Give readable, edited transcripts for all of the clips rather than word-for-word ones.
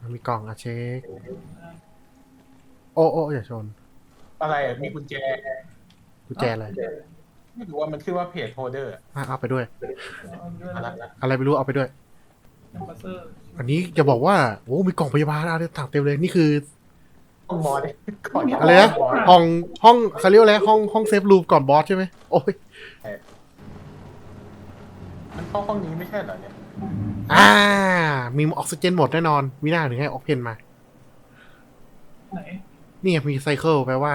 มีกล่องอะเช็คโอ้อย่าชนอะไรอะมีกุญแจกุญแจอะไรไม่รู้ว่ามันขึ้นว่าเพจโฮเดอร์เอาไปด้วยมาละอะไรไม่รู้เอาไปด้วยอันนี้จะบอกว่าโอ้มีกล่องพยาบาลอะไรต่างเต็มเลยนี่คือห้องมอสก่อนอะไรนะห้องเขาเรียกอะไรห้องเซฟรูมก่อนบอสใช่ไหมโอ้ยมันเข้าห้องนี้ไม่ใช่เหรอเนี่ยอ่ามีออกซิเจนหมดแน่นอนมีหน้าถึงให้ออกเพนมาไหนนี่ไงมีไซเคิลแปลว่า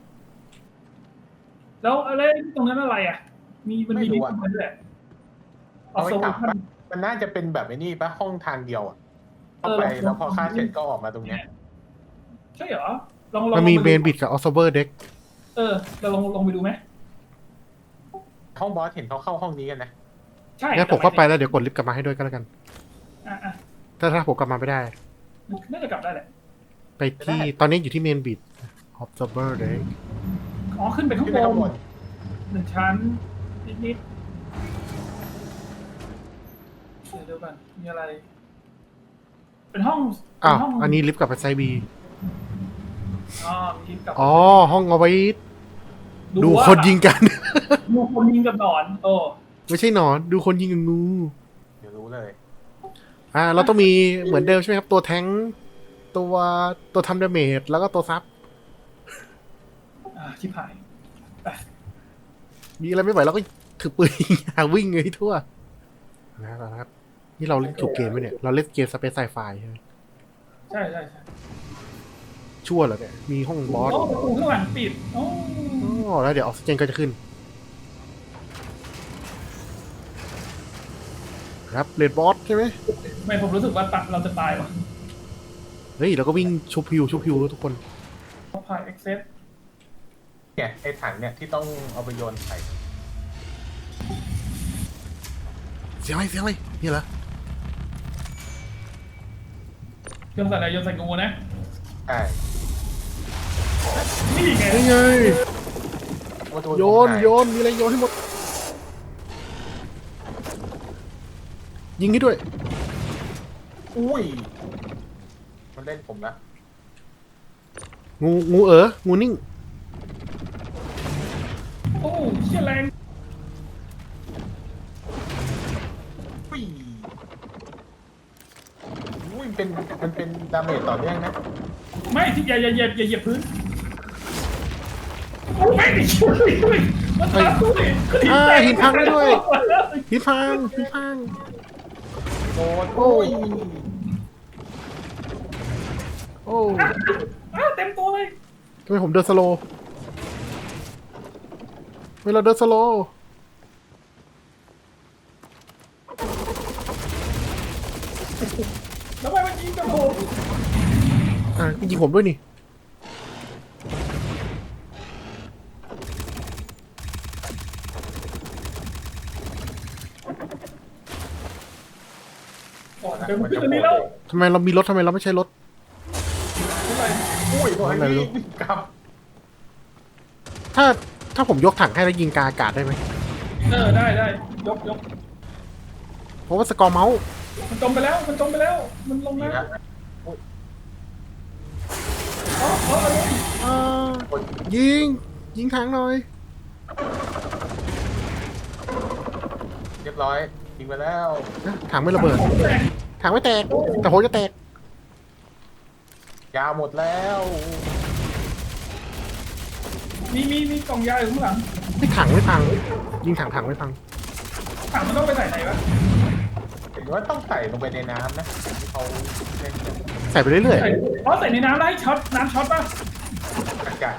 แล้วอะไรตรงนั้นอะไรอ่ะมันมีลิฟต์มาด้วยออเอาไว้โซกลับชันปะมันน่าจะเป็นแบบไอ้นี่ปะห้องทางเดียวอ่ะเข้าไปแล้วพอฆ่าเสร็จก็ออกมาตรงเนี้ยใช่เหรอลองมันมีเบนบิดกับออสเบอร์เด็กเราลองไปดูไหมห้องบอสเห็นเขาเข้าห้องนี้กันนะใช่งั้นผมเข้าไปแล้วเดี๋ยวกดลิฟต์กลับมาให้ด้วยก็แล้วกันอ่ะถ้าผมกลับมาไม่ได้น่าจะกลับได้แหละไปที่ตอนนี้อยู่ที่เมนบิด observer deck อ๋อขึ้นไปข้างขึ้นไปข้างบบ นน 1 ชั้นนิดเดี๋ยวกันมีอะไร เป็นห้องห้องอันนี้ลิฟต์กลับไปไซบีมีลิฟต์กลับห้องเอาไว้ดูคนยิงกันดูคนยิงกับหนอนไม่ใช่หนอนดูคนยิงกับงูเดี๋ยวรู้เลยเราต้องมีเหมือนเดิมใช่ไหมครับตัวแทงค์ตัวทำดาเมจแล้วก็ตัวซับชิบหายมีอะไรไม่ไหวเราก็ถือปืนหาวิ่งเลยทั่วนะครับนี่เราเล่นถูกเกมไหมเนี่ยเราเล่นเกมสเปซไซไฟใช่ไหมใช่ชั่วเหรอเนี่ยมีห้องบอสประตูข้างหลังปิดแล้วเดี๋ยวออกซิเจนก็จะขึ้นครับเลดบอสใช่ไหมไม่ผมรู้สึกว่าเราจะตายว่ะเฮ้ยเราก็วิ่งชุบพิวทุกคนพายเอ็กเซสเนี่ยไอ้ถังเนี่ยที่ต้องเอาไปโยนใส่เสียงอะไรนี่เหรอโยนใส่อะไรโยนใส่งูนะใช่นี่ไงนี่ไงว่าตัวโยนมีอะไรโยนให้หมดยิงให้ด้วยอุ้ยมันเล่นผมละงูงูนิ่งโอ้เชี่ยแรงอุ้ยอุ้ยมันเป็นดาเมจต่อเนื่องนะไม่ที่อย่าเหยียบพื้นไม่ได้ช่วยมันทำด้วยหินพังได้ด้วยหินพังโดนโอ้ยโอ้เต็มตัวเลยทำไมผมเดินสโลว์เวลาเดินสโลว์แล้วมันยิงกับผมยิงผมด้วยนี่เดี๋ยวมันขึ้นตรงนี้แล้วทำไมเรามีรถทำไมเราไม่ใช้รถอุ้ยตัวอะไรไม่รู้นี้ครับถ้าผมยกถังให้แล้วยิงกาอากาศได้ไหมได้ยกเพราะว่าสกอร์เมาส์มันจมไปแล้วมันลงนี่แล้วนะยิงถังหน่อยเรียบร้อยยิงไปแล้วถังไม่ระเบิดถังไม่แตกแต่ผมจะแตกยาหมดแล้วมีกล่องยาอยู่ข้างหลังถังไม่พังยิงถังไม่พังถังมันต้องไปใส่ไหนวะเห็นว่าต้องใส่ลงไปในน้ำนะที่เขาเล่นกันใส่ไปเรื่อยใส่ในน้ำได้ช็อตน้ำช็อตป่ะอากาศ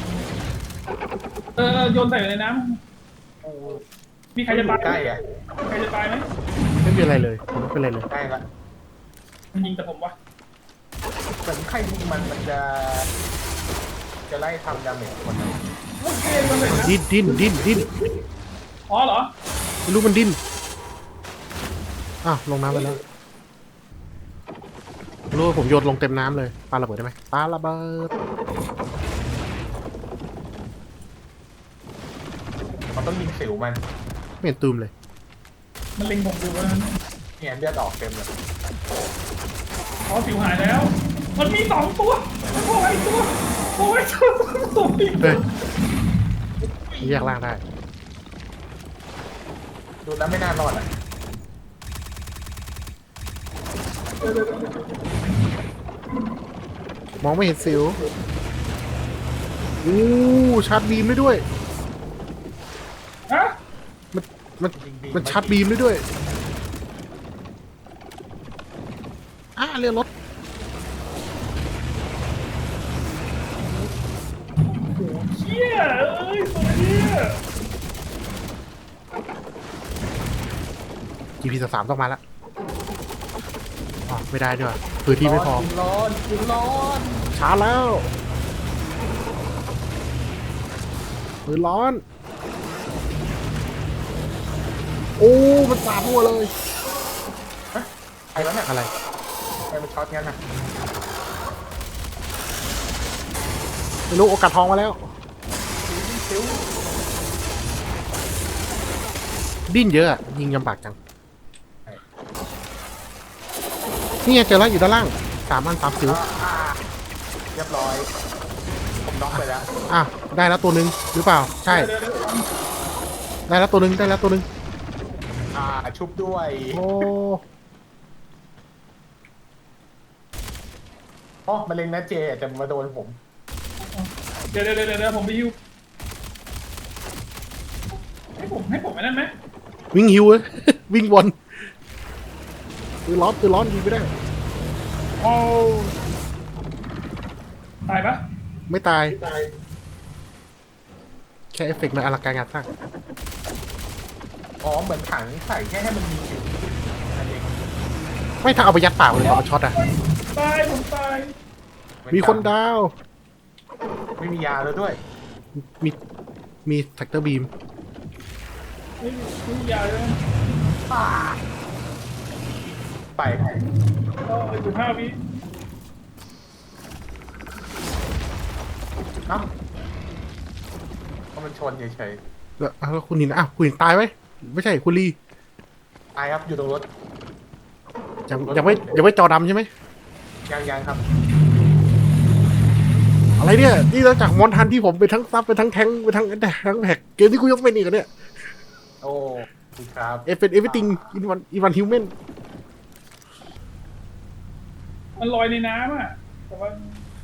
โยนใส่ในน้โอ้ำมีใครจะตายใกล้อ่ะใครจะตายไหมๆไม่เป็นไรเลยผมไม่เป็นไรเลยใกล้ละมันยิงแต่ผมวะเหมือนใครยิงมันจะไล่ทำดาเมจคนนั้นโอเคมันเลยนะดิ้นอ๋อเหรอไม่รู้มันดิ้นลงน้ำไปแล้วรู้ว่าผมโยนลงเต็มน้ำเลยปาระเบิดได้ไหมปาระเบิดมันต้องยิงสิวมันไม่เห็นตูมเลยมันเล็งผมอยู่วะเนี่ยเลือดออกเต็มเลยออ๋อสิวหายแล้ว มันมีสองตัวโอ้ยตัวโอ้ยตัวตัวเฮ้ยแยกล่างได้ดูแล้วไม่น่ารอดอ่ะมองไม่เห็นสิวอู้ชาร์จบีมได้ด้วยฮะมันชาร์จบีมได้ด้วยเรียกรถเชี่ยเอ้ยตัวเนี้ย GP3 ต้องมาละอ๋อไม่ได้ด้วยพื้นที่ไม่พอกินร้อนช้าแล้วปืนร้อน โอ้ มันสาดหัวเลยไอ้แล้วเนี่ยอะไรไอ้มันช็อตงั้นน่ะไม่รู้โอกาสทองมาแล้วซิวดิ้นเยอะอะยิงยำบากจัง นี่ไงเจอแล้วอยู่ด้านล่าง3 สิวเรียบร้อยผมน็อกไปแล้วได้แล้วตัวหนึ่งหรือเปล่า ใช่เดี๋ยวได้แล้วตัวหนึ่งได้แล้วตัวหนึ่งชุบด้วยโอ้อ๋อมะเร็งนะเจแต่มาโดนผมเดี๋ยวผมไปฮิวให้ผมไอ้นั่นไหมวิ่งหิวเลย วิ่งวนปืนร้อนยิงไม่ได้โอ้ตายปะไม่ตาย แค่เอฟเฟกต์มันอลังการงานสร้างอ๋อเหมือนถังใส่แค่ให้มันมีสิวอันเองไม่ถ้าเอาไปยัดปากเลยตอนมันช็อตอะตายผมตายมีคนดาวไม่มียาแล้วด้วยมีมีแท็กเตอร์บีมไม่มียาเลยไปก็อยู่5 วิเอ้าก็มันชนเฉยแล้วคุณหินคุณหินตายไหมไม่ใช่คุณลีๆตายครับอยู่ตรงรถยังไม่จอดำใช่ไหมยังครับอะไรเนี่ยนี่เราจากมอนทันที่ผมเป็นทั้งซับเป็นทั้งแทงค์เป็นทั้งแท็กเกมที่กูยกเป็นอีกอะเนี่ยโอ้คุณครับเป็นเอฟเวอร์ติงอินวันฮิวแมนมันลอยในน้ำอ่ะแต่ว่า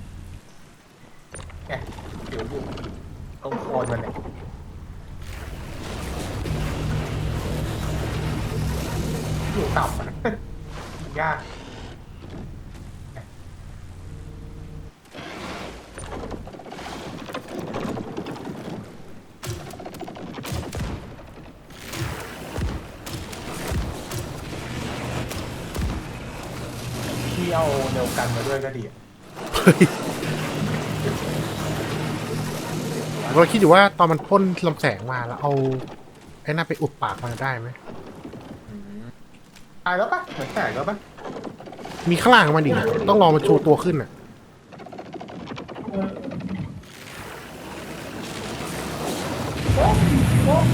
แกเดี๋ยวอยู่ตรงโคนมันเนี่ยอยู่ต่ำอะ ยากที่เอาเร็วกันมาด้วยก็ดีอะเราคิดอยู่ว่าตอนมันพ่นลำแสงมาแล้วเอาไอ้หน้าไปอุดปากมันได้ไหมตายแล้วปะเหมือนแตกแล้วปะมีข้างล่างมันอีกอะต้องรอมันโชว์ตัวขึ้นอ่ะเออโอ้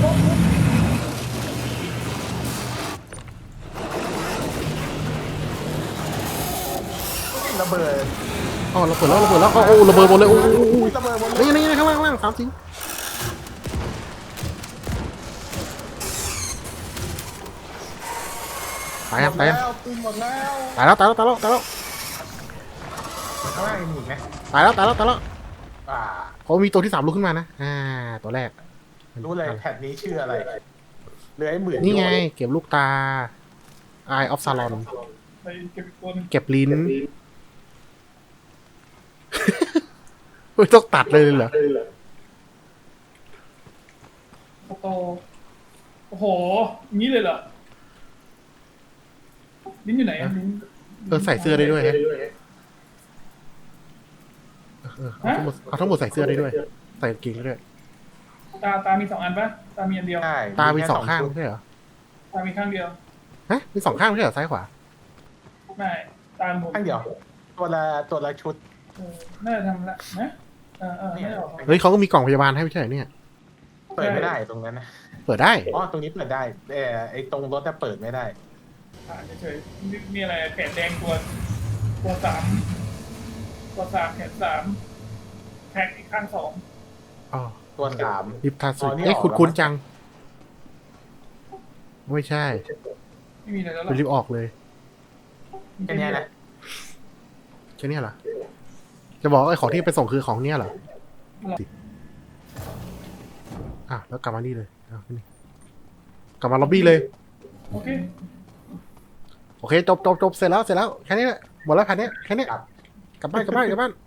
ระเบิดอ๋อเราเปิดแล้วโอ้ระเบิดหมดเลยโอ้ระเบิดหมดเลยนี่ข้างล่าง3 สิวตายยังแล้วปืนหมดแล้วตายแล้วข้างล่างยังมีอีกไหมตายแล้วอ่าเขามีตัวที่3ลุกขึ้นมานะตัวแรกรู้เลยแผ่นนี้ชื่ออะไรเหลือไอ้หมื่นนี่ไง เก็บลูกตา Eye of Sauron ไปเก็บอีกตัวหนึงเก็บลิ้น ไม่ต้องตัดเลยเหรอโตโอ้โหอย่างนี้เลยเหรอลิ้นอยู่ไหนอะลิ้นใส่เสื้อได้ด้วยฮะเอาทั้งหมดใส่เสื้อได้ด้วย ใส่กางเกงได้ด้วยตามี2 อันปะตามีอันเดียวใช่ตามีแค่ 2 ข้างชุดไม่ใช่เหรอตามีข้างเดียวฮะมี2 ข้างไม่ใช่เหรอซ้ายขวาไม่ตาหมุนข้างเดียวตัวละชุดน่าจะทำละนะไม่ได้ออกเฮ้ยเขาก็มีกล่องพยาบาลให้ไม่ใช่เหรอเนี่ยเปิดไม่ได้ตรงนั้นนะเปิดได้อ๋อตรงนี้เปิดได้แต่ไอ้ตรงรถจะเปิดไม่ได้เฉยๆนี่อะไรแขนแดงตัวตัวสามแขนสามแขนอีกข้างสองอ๋อตัวสามลิฟทาสุอ๋อนี่เอ้ยออกคุ้นแล้วๆจัง ไม่ใช่ไม่มีอะไรแล้วหรเป็นลิฟต์ออกเลยแค่เนี้ยนะแค่เนี้ยเหรอ จะบอกว่าไอ้ของที่ไปส่งคือของเนี้ยเหรออ่ะแล้วกลับมานี่เลยเอาขึ้นนี่กลับมาล็อบบี้เลยโอเคโอเคจบเสร็จแล้วแค่นี้แหละหมดแล้วแค่นี้แค่นี้ครับกลับบ้าน